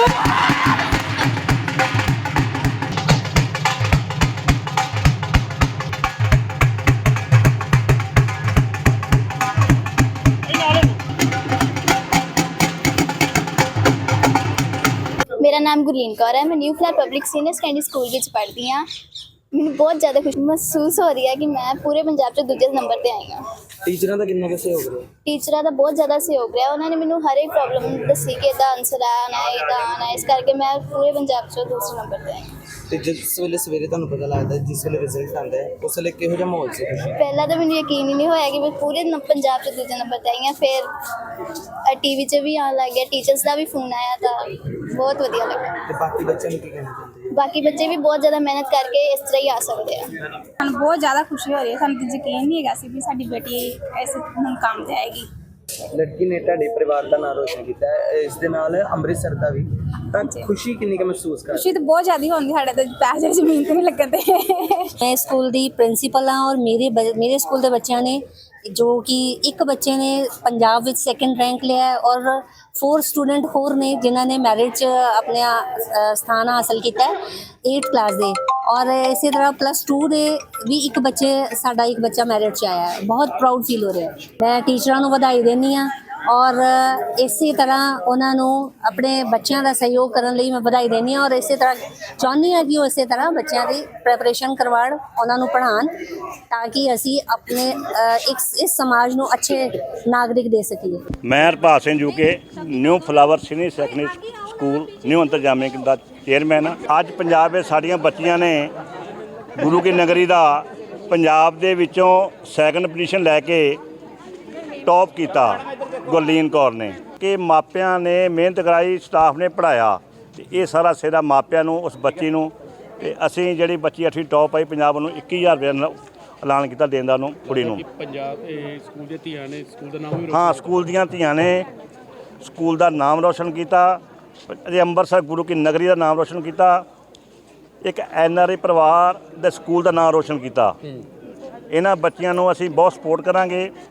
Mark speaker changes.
Speaker 1: मेरा नाम गुरलीन कौर है। मैं new flat public senior secondary school में पढ़ती हाँ। मैंने बहुत ज़्यादा खुशी महसूस हो रही है कि मैं पूरे पंजाब से दूजे नंबर पर आई हाँ।
Speaker 2: ਟੀਚਰਾਂ ਦਾ ਕਿੰਨਾ ਕੁ ਸਹਿਯੋਗ ਰਿਹਾ?
Speaker 1: ਟੀਚਰਾਂ ਦਾ ਬਹੁਤ ਜ਼ਿਆਦਾ ਸਹਿਯੋਗ ਰਿਹਾ। ਉਹਨਾਂ ਨੇ ਮੈਨੂੰ ਹਰ ਇੱਕ ਪ੍ਰੋਬਲਮ ਦੱਸੀ ਕਿ ਇਹਦਾ ਆਨਸਰ ਆਉਣਾ ਹੈ, ਇਹਦਾ ਆਉਣਾ ਹੈ। ਇਸ ਕਰਕੇ ਮੈਂ ਪੂਰੇ ਪੰਜਾਬ 'ਚੋਂ ਦੂਸਰੇ ਨੰਬਰ 'ਤੇ ਆਈ ਹਾਂ।
Speaker 2: ਤੇ ਜਿਸ ਵੇਲੇ ਸਵੇਰੇ ਤੁਹਾਨੂੰ ਪਤਾ ਲੱਗਦਾ, ਜਿਸ ਵੇਲੇ ਰਿਜ਼ਲਟ ਆਉਂਦਾ ਹੈ, ਉਸ ਵੇਲੇ ਕਿਹੋ ਜਿਹਾ ਮਾਹੌਲ ਸੀ?
Speaker 1: ਪਹਿਲਾਂ ਤਾਂ ਮੈਨੂੰ ਯਕੀਨ ਹੀ ਨਹੀਂ ਹੋਇਆ ਕਿ ਮੈਂ ਪੂਰੇ ਪੰਜਾਬ 'ਚ ਦੂਜੇ ਨੰਬਰ 'ਤੇ ਆਈ ਹਾਂ। ਫਿਰ ਟੀਵੀ 'ਚ ਵੀ ਆਉਣ ਲੱਗ ਗਿਆ, ਟੀਚਰਸ ਦਾ ਵੀ ਫੋਨ ਆਇਆ ਤਾਂ ਬਹੁਤ ਵਧੀਆ ਲੱਗਾ।
Speaker 2: ਤੇ ਬਾਕੀ ਬੱਚਿਆਂ ਨੂੰ ਕੀ ਕਹਿਣਾ ਚਾਹੁੰਦੇ?
Speaker 1: ਬਾਕੀ ਬੱਚੇ ਵੀ ਬਹੁਤ ਜ਼ਿਆਦਾ ਮਿਹਨਤ ਕਰਕੇ ਇਸ ਤਰ੍ਹਾਂ ਹੀ ਆ ਸਕਦੇ ਆ।
Speaker 3: ਸਾਨੂੰ ਬਹੁਤ ਜ਼ਿਆਦਾ ਖੁਸ਼ੀ ਹੋ ਰਹੀ ਹੈ। ਸਾਨੂੰ ਤਾਂ ਯਕੀਨ ਨਹੀਂ ਹੈਗਾ ਸੀ ਵੀ ਸਾਡੀ ਬੇਟੀ ਇਸ ਮੁਕਾਮ 'ਤੇ ਆਏਗੀ।
Speaker 2: ਲੜਕੀ ਨੇ ਤੁਹਾਡੇ ਪਰਿਵਾਰ ਦਾ ਨਾਮ ਰੋਸ਼ਨ ਕੀਤਾ ਹੈ, ਇਸ ਦੇ ਨਾਲ ਅੰਮ੍ਰਿਤਸਰ ਦਾ ਵੀ। ਤਾਂ ਖੁਸ਼ੀ ਕਿੰਨੀ ਕੁ ਮਹਿਸੂਸ ਕਰ?
Speaker 3: ਖੁਸ਼ੀ ਤਾਂ ਬਹੁਤ ਜ਼ਿਆਦਾ ਹੁੰਦੀ ਸਾਡੇ ਤੇ, ਪੈਸੇ ਜ਼ਮੀਨ ਤੇ ਨਹੀਂ ਲੱਗਦੇ।
Speaker 4: मैं स्कूल ਦੀ ਪ੍ਰਿੰਸੀਪਲ ਹਾਂ ਔਰ ਮੇਰੇ ਸਕੂਲ ਦੇ ਬੱਚਿਆਂ ਨੇ ਜੋ ਕਿ ਇੱਕ ਬੱਚੇ ਨੇ ਪੰਜਾਬ ਵਿੱਚ ਸੈਕੰਡ ਰੈਂਕ ਲਿਆ ਹੈ ਔਰ 4 ਸਟੂਡੈਂਟ ਹੋਰ ਨੇ ਜਿਨ੍ਹਾਂ ਨੇ ਮੈਰਿਟ 'ਚ ਆਪਣਾ ਸਥਾਨ ਹਾਸਲ ਕੀਤਾ ਹੈ 8th ਕਲਾਸ ਦੇ। ਔਰ ਇਸੇ ਤਰ੍ਹਾਂ +2 ਦੇ ਵੀ ਇੱਕ ਬੱਚਾ ਮੈਰਿਟ 'ਚ ਆਇਆ ਹੈ। ਬਹੁਤ ਪ੍ਰਾਊਡ ਫੀਲ ਹੋ ਰਿਹਾ ਹੈ। ਮੈਂ ਟੀਚਰਾਂ ਨੂੰ ਵਧਾਈ ਦਿੰਦੀ ਹਾਂ ਔਰ ਇਸੇ ਤਰ੍ਹਾਂ ਉਹਨਾਂ ਨੂੰ ਆਪਣੇ ਬੱਚਿਆਂ ਦਾ ਸਹਿਯੋਗ ਕਰਨ ਲਈ ਮੈਂ ਵਧਾਈ ਦਿੰਦੀ ਹਾਂ ਔਰ ਇਸੇ ਤਰ੍ਹਾਂ ਚਾਹੁੰਦੀ ਹਾਂ ਕਿ ਉਹ ਇਸੇ ਤਰ੍ਹਾਂ ਬੱਚਿਆਂ ਦੀ ਪ੍ਰੈਪਰੇਸ਼ਨ ਕਰਵਾਉਣ, ਉਹਨਾਂ ਨੂੰ ਪੜ੍ਹਾਉਣ ਤਾਂ ਕਿ ਅਸੀਂ ਆਪਣੇ ਇਸ ਸਮਾਜ ਨੂੰ ਅੱਛੇ ਨਾਗਰਿਕ ਦੇ ਸਕੀਏ।
Speaker 5: मैं Harpal Singh UK new flower senior secondary school new Antarjami ਦਾ ਚੇਅਰਮੈਨ। ਅੱਜ ਪੰਜਾਬ ਵਿੱਚ ਸਾਡੀਆਂ ਬੱਚੀਆਂ ਨੇ ਗੁਰੂ ਕੀ ਨਗਰੀ ਦਾ ਪੰਜਾਬ ਦੇ ਵਿੱਚੋਂ ਸੈਕੰਡ ਪੋਜੀਸ਼ਨ ਲੈ ਕੇ ਟੌਪ ਕੀਤਾ ਗੁਰਲੀਨ ਕੌਰ ਨੇ। ਕਿ ਮਾਪਿਆਂ ਨੇ ਮਿਹਨਤ ਕਰਾਈ, ਸਟਾਫ ਨੇ ਪੜ੍ਹਾਇਆ ਤੇ ਇਹ ਸਾਰਾ ਸਿਹਰਾ ਮਾਪਿਆਂ ਨੂੰ ਉਸ ਬੱਚੀ ਨੂੰ। ਤੇ ਅਸੀਂ ਜਿਹੜੀ ਬੱਚੀ 8ਵੀਂ ਟੌਪ ਆਈ ਪੰਜਾਬ ਨੂੰ 21,000 ਰੁਪਏ ਨਾਲ ਐਲਾਨ ਕੀਤਾ ਦੇਣ ਦਾ ਨੂੰ ਕੁੜੀ ਨੂੰ।
Speaker 6: ਪੰਜਾਬ ਸਕੂਲ ਦੀਆਂ ਧੀਆਂ ਨੇ ਸਕੂਲ ਦਾ ਨਾਮ ਵੀ
Speaker 5: ਹਾਂ, ਸਕੂਲ ਦੀਆਂ ਧੀਆਂ ਨੇ ਸਕੂਲ ਦਾ ਨਾਮ ਰੋਸ਼ਨ ਕੀਤਾ। ਅਜੇ ਅੰਮ੍ਰਿਤਸਰ ਗੁਰੂ ਕੀ ਨਗਰੀ ਦਾ ਨਾਮ ਰੋਸ਼ਨ ਕੀਤਾ। ਇੱਕ NRI ਪਰਿਵਾਰ ਦੇ ਸਕੂਲ ਦਾ ਨਾਮ ਰੋਸ਼ਨ ਕੀਤਾ। ਇਹਨਾਂ ਬੱਚਿਆਂ ਨੂੰ ਅਸੀਂ ਬਹੁਤ ਸਪੋਰਟ ਕਰਾਂਗੇ।